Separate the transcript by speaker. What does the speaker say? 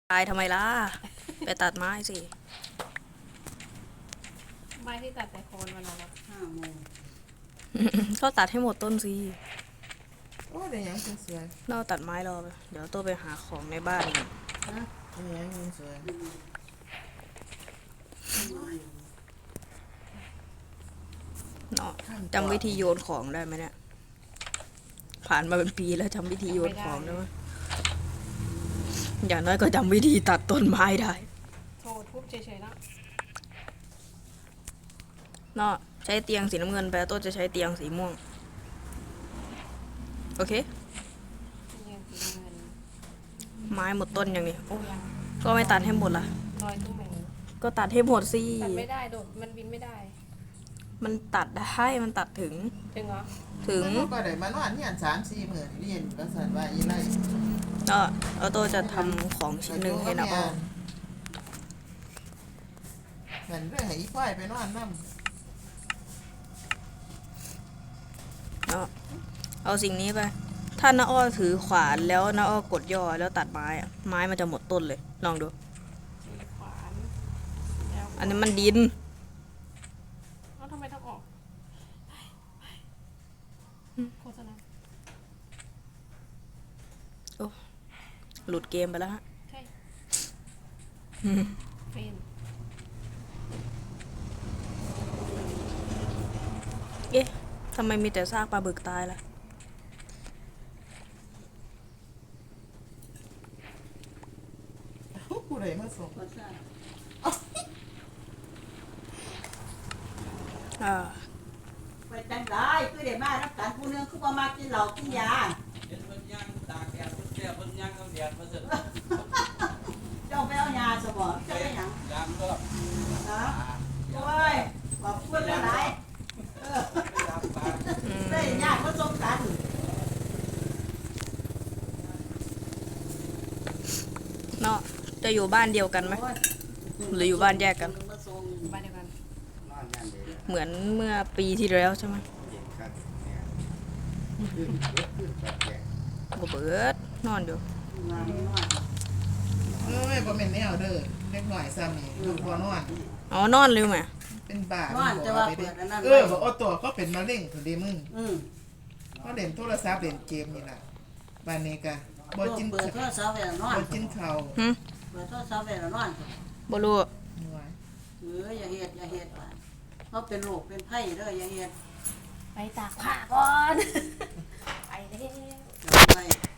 Speaker 1: ตายทำไมล่ะ ไปตัดไม้สิ
Speaker 2: ไม้ที่ตัดแต่โคนวันละ
Speaker 3: 5 โมง
Speaker 1: ก็ตัดให้หมดต้นสิ
Speaker 3: โอ้ได้หยังสวย
Speaker 1: เราตัดไม้รอไปเดี๋ยวตัวไปหาของในบ้านกัน
Speaker 3: ๆนะได้หยังสวย
Speaker 1: เนาะจำวิธีโยนของได้ไหมเนี่ย ผ่านมาเป็นปีแล้วจำวิธีโยนของได้ไหมอย่างน้อยก็จำวิธีตัดต้นไม้ได้
Speaker 2: โทรทุบเฉยๆแล้ว
Speaker 1: เนาะใช้เตียงสีน้ำเงินไปต้นจะใช้เตียงสีม่วง โอเค
Speaker 2: เงินสีเงิน
Speaker 1: ไม้หมดต้นอย่างนี้โอ้
Speaker 2: ยัง
Speaker 1: ก็ไม่ตัดให้หมดล่ะ
Speaker 2: ลอยตุ้มแหง
Speaker 1: ก็ตัดให้หมดสิ
Speaker 2: ตัดไม่ได้โดดมันบินไม่ได้
Speaker 1: มันตัดได้มันตัดถึง
Speaker 2: ถึงเหรอ
Speaker 1: ถึง
Speaker 3: มันก็ได้มานอนเฮียน3-4 มื้อนี่เรียนก็สั่นว่าอีไร
Speaker 1: ก็เอาตัวจะทำของชิ้นหนึ่งให้นะอ้อ
Speaker 3: เหมือนเรื่องให้อีควายไปนอนนำ
Speaker 1: เนาะเอาสิ่งนี้ไป ถ้าน้าอ้อถือขวานแล้วน้าอ้อกดย่อแล้วตัดไม้อะไม้มันจะหมดต้นเลย ลองดู
Speaker 2: สีขวานแล้ว
Speaker 1: อันนี้มันดิน
Speaker 2: เอ้าทำไมต้องออกโฆษณา
Speaker 1: หลุดเกมไปแล้วฮะ
Speaker 2: ใช่เฟน
Speaker 1: เอ๊ะทำไมมีแต่ซากปลาบึกตายล่ะ
Speaker 3: ผู้ใดมาส่ง
Speaker 1: อ่า
Speaker 4: ไปจังได้คือได้มารับการผู้หนึงคือบ่มากินเหล้ากินยา
Speaker 5: เห็นมันย่างตากแดดมันแก่มันย่างเอาแดดมาเสร็จ
Speaker 4: เจ้าไปเอายาซะบ่เจ้าไปหยัง
Speaker 5: ยางก็
Speaker 4: ฮะโอ้ยขอบคุณหลายๆ
Speaker 5: ยางปลา
Speaker 4: ได้ญาติมาส่งกัน
Speaker 1: เนาะจะอยู่บ้านเดียวกันไหม
Speaker 4: โอ้ย
Speaker 1: หรืออยู่บ้านแยกกัน
Speaker 4: มาส่ง
Speaker 2: บ้านเดียวกัน
Speaker 5: นอนย่างเดียว
Speaker 1: เหมือนเมื่อปีที่แล้วใช่ไหม
Speaker 5: เย็นครับเนี่ยขึ้นแบบแก่
Speaker 1: บ่เบิดนอนอยู่
Speaker 4: งานน้อย
Speaker 3: เอ้ยบ่แม่นแนวเด้อเล็กน้อยซ้ำนี่ลูกบ่นอน
Speaker 1: อ๋อนอนเร็วไหม
Speaker 3: เป็นบ้า
Speaker 4: น้อยแต่ว่าเปิดอันนั้น
Speaker 3: บอกเอาตัวก็เป็นมะเร็งพุ่นเด้มึง
Speaker 4: อืม
Speaker 3: ก็เล่นโทรศัพท์เล่นเกมนี่ล่ะบ้านนี้ก็บ่กิน
Speaker 4: เปิดโทรศัพท์ไว้แล้วนอน
Speaker 3: บ่กินข้าว
Speaker 1: หึ
Speaker 4: เปิดโทรศัพท์ไว้แล้วนอน
Speaker 1: บ่รู้
Speaker 3: หน่วย
Speaker 4: อย่าเฮ็ดว่าเขาเป็นโรคเป็นไข้เด้ออย่าเฮ็ด
Speaker 2: ไปตากผ้าก่อน ไปเด้อ